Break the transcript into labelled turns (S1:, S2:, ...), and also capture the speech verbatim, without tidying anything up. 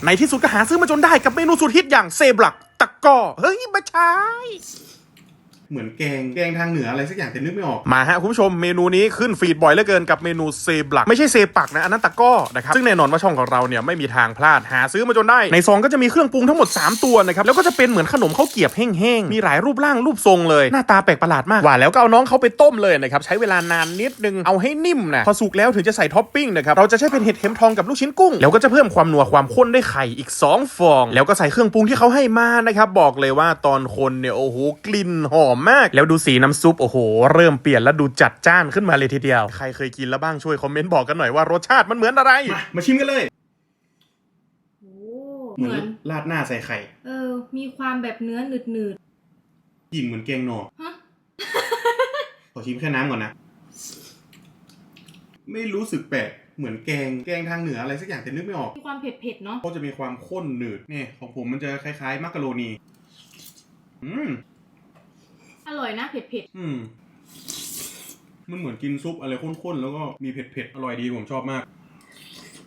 S1: ในที่สุดก็หาซื้อมาจนได้กับเมนูสุดฮิตอย่างเซบลักตะก้อเฮ้ยไม่ใช่เหมือนแกงแกงทางเหนืออะไรสักอย่างแต่นึกไม่ออกมาฮะคุณผู้ชมเมนูนี้ขึ้นฟีดบ่อยเหลือเกินกับเมนูเซบลักไม่ใช่เซปักนะอันนั้นตะก้อนะครับซึ่งแน่นอนว่าช่องของเราเนี่ยไม่มีทางพลาดหาซื้อมาจนได้ในซองก็จะมีเครื่องปรุงทั้งหมดสามตัวนะครับแล้วก็จะเป็นเหมือนขนมข้าวเกรี๊ยบแห้งๆมีหลายรูปร่างรูปทรงเลยหน้าตาแปลกประหลาดมากว่าแล้วก็เอาน้องเขาไปต้มเลยนะครับใช้เวลานานนิดนึงเอาให้นิ่มนะพอสุกแล้วถึงจะใส่ท็อปปิ้งนะครับเราจะใช้เป็นเห็ดเข็มทองกับลูกชิ้นกุ้งแล้วก็จะเพิ่มความนัวความข้นด้วยไข่อีกสองฟองแล้วก็ใส่เครื่องปรุงที่เขาให้มานะครับบอกเลยว่าตอนคนเนี่ยโอ้โหกลิ่นหอมมากแล้วดูสีน้ำซุปโอ้โหเริ่มเปลี่ยนแล้วดูจัดจ้านขึ้นมาเลยทีเดียวใครเคยกินแล้วบ้างช่วยคอมเมนต์บอกกันหน่อยว่ารสชาติมันเหมือนอะไรมามาชิมกันเลย
S2: โอ้
S1: เหมือนราดหน้าใส่ไข่
S2: เออมีความแบบเนื้อหนืดหนืด
S1: กลิ่นเหมือนแกงหน่อฮะ ขอชิมแค่น้ำก่อนนะไม่รู้สึกแปลกเหมือนแกงแกงทางเหนืออะไรสักอย่างแต่นึกไม่ออก
S2: มีความเผ็ดเผ็ดเนาะ
S1: ก็จะมีความข้นหนืดนี่ของผมมันจะคล้ายๆมักกะโรนีอืม
S2: อร่อยนะเผ็ดเผ็ด
S1: อืมมันเหมือนกินซุปอะไรข้นๆแล้วก็มีเผ็ดๆอร่อยดีผมชอบมาก